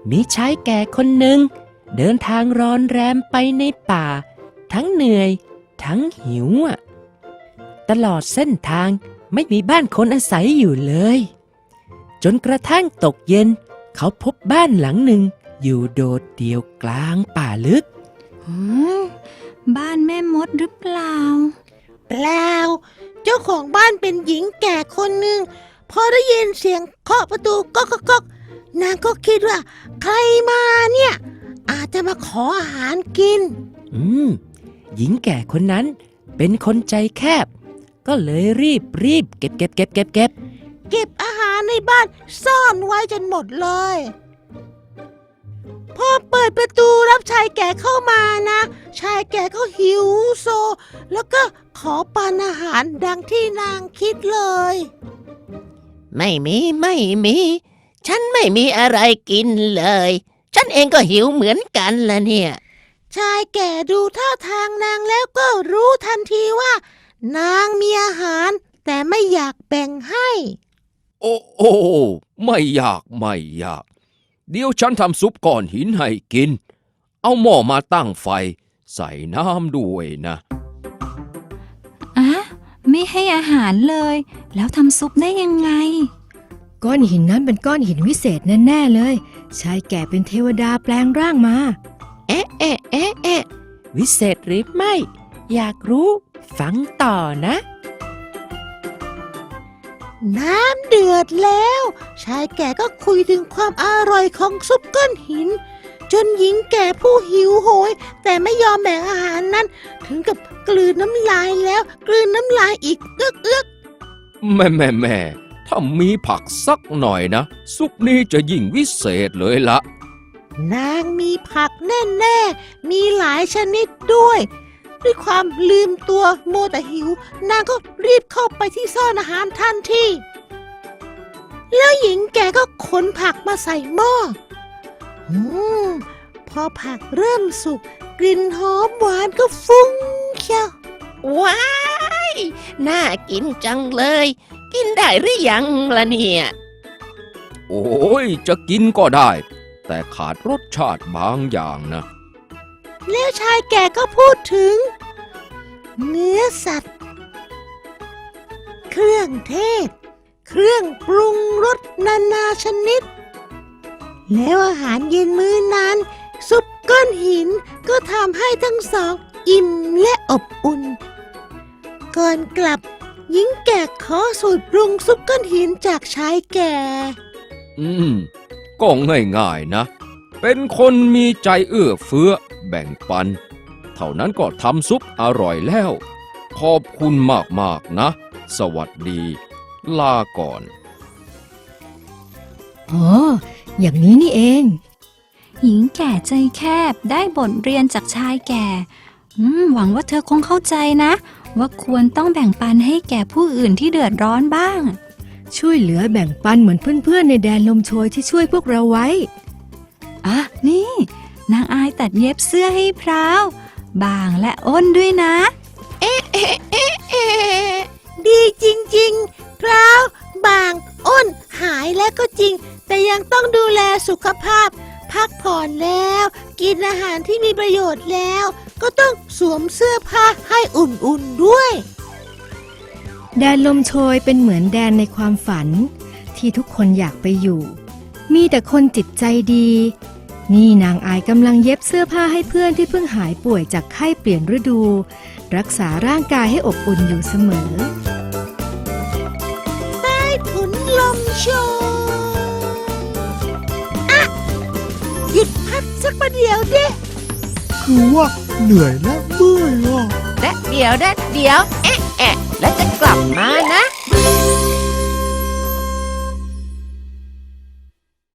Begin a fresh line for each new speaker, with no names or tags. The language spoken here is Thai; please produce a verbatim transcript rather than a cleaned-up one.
มีชายแก่คนหนึ่งเดินทางร้อนแรมไปในป่าทั้งเหนื่อยทั้งหิวอ่ะตลอดเส้นทางไม่มีบ้านคนอาศัยอยู่เลยจนกระทั่งตกเย็นเขาพบบ้านหลังหนึ่งอยู่โดดเดี่ยวกลางป่าลึก
อืมบ้านแม่มดหรือเปล่า
เปล่าเจ้าของบ้านเป็นหญิงแก่คนหนึ่งพอได้ยินเสียงเคาะประตูก๊อกก๊อกก๊อกนางก็คิดว่าใครมาเนี่ยอาจจะมาขออาหารกิน
อืมหญิงแก่คนนั้นเป็นคนใจแคบก็เลยรีบรีบเก็บเก็บเก็บเก็บเก็บ
เก็บอาหารในบ้านซ่อนไว้จนหมดเลยพอเปิดประตูรับชายแก่เข้ามานะชายแก่ก็หิวโซแล้วก็ขอปานอาหารดังที่นางคิดเลย
ไม่มีไม่มีฉันไม่มีอะไรกินเลยฉันเองก็หิวเหมือนกันละเนี่ย
ชายแก่ดูท่าทางนางแล้วก็รู้ทันทีว่านางมีอาหารแต่ไม่อยากแบ่งให้
โอ้โอ้ไม่อยากไม่อยากเดี๋ยวฉันทำซุปก้อนหินให้กินเอาหม้อมาตั้งไฟใส่น้ำด้วยนะ
อะไม่ให้อาหารเลยแล้วทำซุปได้ยังไง
ก้อนหินนั้นเป็นก้อนหินวิเศษแน่ๆเลยชายแก่เป็นเทวดาแปลงร่างมา
เอ๊ะเอ๊ะเอ๊ะเอ๊ะวิเศษหรือไม่อยากรู้ฟังต่อนะ
น้ำเดือดแล้วชายแก่ก็คุยถึงความอร่อยของซุปก้อนหินจนหญิงแก่ผู้หิวโหยแต่ไม่ยอมแบ่งอาหารนั้นถึงกับกลืนน้ำลายแล้วกลืนน้ำลายอีกเอื้อกเอื้อก
แม่แม่แม่ถ้ามีผักสักหน่อยนะซุปนี้จะยิ่งวิเศษเลยละ
นางมีผักแน่ๆมีหลายชนิดด้วยด้วยความลืมตัวโมแต่หิวนางก็รีบเข้าไปที่ซ่อนอาหารทันทีแล้วหญิงแก่ก็ขนผักมาใส่หม้ออืมพอผักเริ่มสุกกลิ่นหอมหวานก็ฟุ้งเชียว
ว้ายน่ากินจังเลยกินได้หรือยังล่ะเนี่ย
โอ้ยจะกินก็ได้แต่ขาดรสชาติบางอย่างนะ
แล้วชายแก่ก็พูดถึงเนื้อสัตว์เครื่องเทศเครื่องปรุงรสนานาชนิดแล้วอาหารเย็นมื้อนั้นซุปก้อนหินก็ทำให้ทั้งสองอิ่มและอบอุ่นก่อนกลับหญิงแก่ขอสูตรปรุงซุปก้อนหินจากชายแก่
อืมก็ง่ายๆนะเป็นคนมีใจเอื้อเฟื้อแบ่งปันเท่านั้นก็ทำซุปอร่อยแล้วขอบคุณมากๆนะสวัสดีลาก่อน
อ๋ออย่างนี้นี่เอง
หญิงแก่ใจแคบได้บทเรียนจากชายแก่อืมหวังว่าเธอคงเข้าใจนะว่าควรต้องแบ่งปันให้แก่ผู้อื่นที่เดือดร้อนบ้าง
ช่วยเหลือแบ่งปันเหมือนเพื่อนๆในแดนลมโชยที่ช่วยพวกเราไว้
อ่ะนี่นางอายตัดเย็บเสื้อให้พร้าวบางและอ้นด้วยนะ
เอ๊ะเอ๊ะเอ๊ะเอ๊ะดีจริงๆพร้าวบางอ้นหายแล้วก็จริงแต่ยังต้องดูแลสุขภาพพักผ่อนแล้วกินอาหารที่มีประโยชน์แล้วก็ต้องสวมเสื้อผ้าให้อุ่นๆด้วย
แดนลมโชยเป็นเหมือนแดนในความฝันที่ทุกคนอยากไปอยู่มีแต่คนจิตใจดีนี่นางอายกำลังเย็บเสื้อผ้าให้เพื่อนที่เพิ่งหายป่วยจากไข้เปลี่ยนฤดูรักษาร่างกายให้อบอุ่นอยู่เสมอ
ใต้ถุนลมโชยอ่ะหยุดพักสักประเดี๋ยวดิ
คือว่าเหนื่อยและเมื่อยอ่ะ
และเดี๋ยวและเดี๋ยวเอ๊ะแอะแล้วจะกลับมานะ